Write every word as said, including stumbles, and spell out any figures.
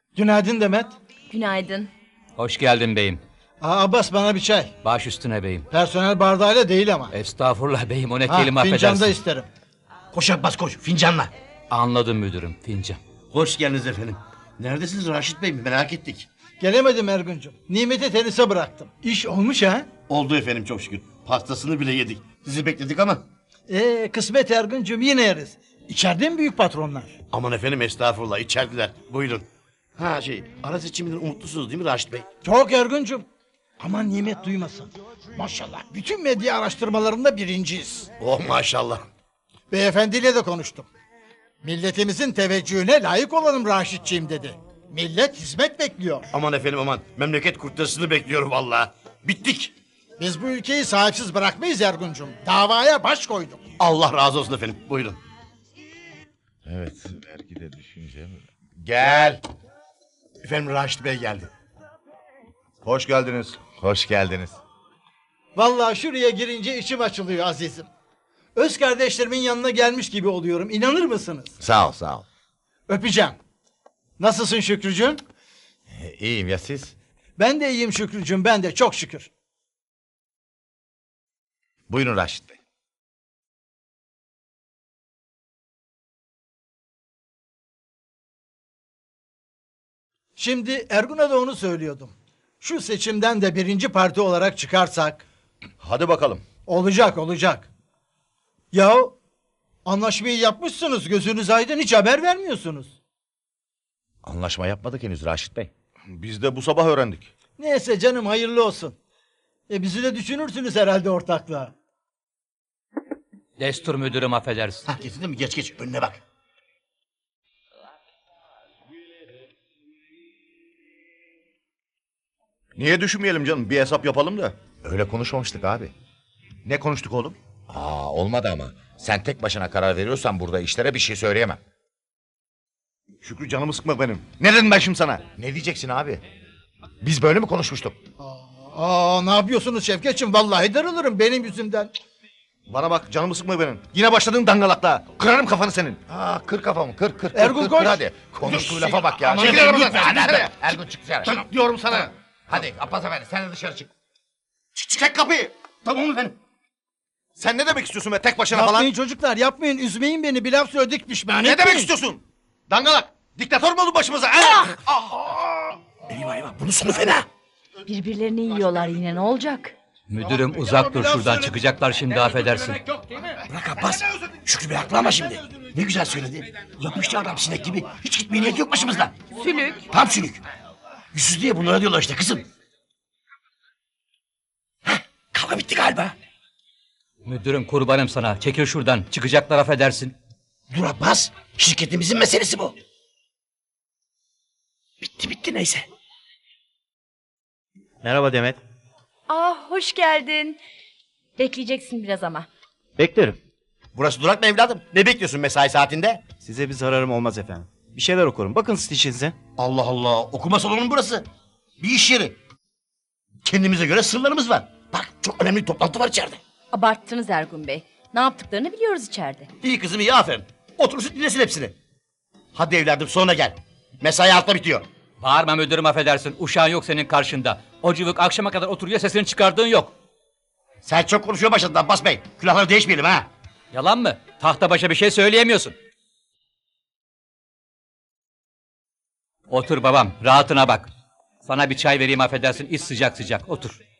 Günaydın Demet. Günaydın. Hoş geldin beyim. Aa, Abbas bana bir çay. Baş üstüne beyim. Personel bardağıyla değil ama. Estağfurullah beyim, o ne Ha, kelime fincanda affedersin. isterim. Koş Abbas koş fincanla. Anladım müdürüm, fincan. Hoş geldiniz efendim. Neredesiniz Raşit Bey, merak ettik. Gelemedim Ergun'cum. Nimet'i tenise bıraktım. İş olmuş ha? Oldu efendim çok şükür. Pastasını bile yedik. Sizi bekledik ama. Ee, kısmet Ergun'cum, yine yeriz. İçeride mi büyük patronlar? Aman efendim estağfurullah, içerdiler. Buyurun. Ha şey, ara seçiminden umutlusunuz değil mi Raşit Bey? Çok Ergun'cum. Aman Nimet duymasın. Maşallah bütün medya araştırmalarında birinciyiz. Oh maşallah. Beyefendiyle de konuştum. Milletimizin teveccühüne layık olalım Raşitçiğim dedi. Millet hizmet bekliyor. Aman efendim aman, memleket kurtarısını bekliyorum vallahi. Bittik. Biz bu ülkeyi sahipsiz bırakmayız Ergun'cum. Davaya baş koyduk. Allah razı olsun efendim, buyurun. Evet, vergide düşünce mi? Gel. Efendim Raşit Bey geldi. Hoş geldiniz. Hoş geldiniz. Vallahi şuraya girince içim açılıyor azizim. Öz kardeşlerimin yanına gelmiş gibi oluyorum. İnanır mısınız? Sağ ol, sağ ol. Öpeceğim. Nasılsın Şükrücüğüm? E, iyiyim ya siz? Ben de iyiyim Şükrücüğüm, ben de çok şükür. Buyurun Raşit Bey. Şimdi Ergun'a da onu söylüyordum. Şu seçimden de birinci parti olarak çıkarsak... Hadi bakalım. Olacak, olacak. Yahu anlaşmayı yapmışsınız, gözünüz aydın, hiç haber vermiyorsunuz. Anlaşma yapmadık henüz Raşit Bey. Biz de bu sabah öğrendik. Neyse canım, hayırlı olsun. E bizi de düşünürsünüz herhalde ortaklığa. Destur müdürüm, affedersin. Ha getirdin mi? Geç geç, önüne bak. Niye düşünmeyelim canım? Bir hesap yapalım da. Öyle konuşmamıştık abi. Ne konuştuk oğlum? Aa, olmadı ama. Sen tek başına karar veriyorsan burada işlere bir şey söyleyemem. Şükrü canımı sıkma benim. Ne dedim ben şimdi sana? Ne diyeceksin abi? Biz böyle mi konuşmuştuk? Aa, ne yapıyorsunuz Şevketçim? Vallahi darılırım benim yüzümden. Bana bak canımı sıkma benim. Yine başladın dangalakla. Kırarım kafanı senin. Aa, kır kafamı, kır, kır, kır, Ergun, kır, koş. kır, hadi. Konuştuğu lafa bak ya. Aman Çekil efendim, arabadan. lütfen, Hadi, hadi. lütfen. Ergun çık dışarı. Çık diyorum sana. Hadi Abbas efendi sen de dışarı çık. Çek kapıyı. Tamam efendim. Sen ne demek istiyorsun be tek başına falan? Yapmayın çocuklar, yapmayın, üzmeyin beni, bir laf söyledik pişman Ne etmeyin. demek istiyorsun? Dangalak. Diktatör mü oldun başımıza? Ah! Eyvah eyvah, bunun sonu fena. Birbirlerini yiyorlar yine, ne olacak? Müdürüm uzak dur şuradan, çıkacaklar şimdi, affedersin. Bırak Abbas. Şükrü Bey haklı ama şimdi. Ne güzel söyledi. Yapıştı adam sinek gibi. Hiç gitmeye niyet yok başımızda. Sülük. Tam sülük. Yüzsüz diye bunlara diyorlar işte kızım. Heh, kavga bitti galiba. Müdürüm kurbanım sana, çekil şuradan, çıkacaklar, affedersin. Dur Abbas. Şirketimizin meselesi bu. Bitti bitti neyse. Merhaba Demet. Ah, hoş geldin. Bekleyeceksin biraz ama. Beklerim. Burası durak mı evladım? Ne bekliyorsun mesai saatinde? Size bir zararım olmaz efendim. Bir şeyler okurum. Bakın siz işinize. Allah Allah. Okuma salonu mu burası? Bir iş yeri. Kendimize göre sırlarımız var. Bak çok önemli bir toplantı var içeride. Abarttınız Ergun Bey. Ne yaptıklarını biliyoruz içeride. İyi kızım iyi aferin. Oturursun dinlesin hepsini. Hadi evladım sonra gel. Mesai altta bitiyor. Bağırma müdürüm, affedersin, uşağın yok senin karşında. O cıvık akşama kadar oturuyor, sesini çıkardığın yok. Sen çok konuşuyor başladın Abbas Bey. Külahları değişmeyelim ha. Yalan mı? Tahta başa bir şey söyleyemiyorsun. Otur babam, rahatına bak. Sana bir çay vereyim, affedersin, iç sıcak sıcak, otur.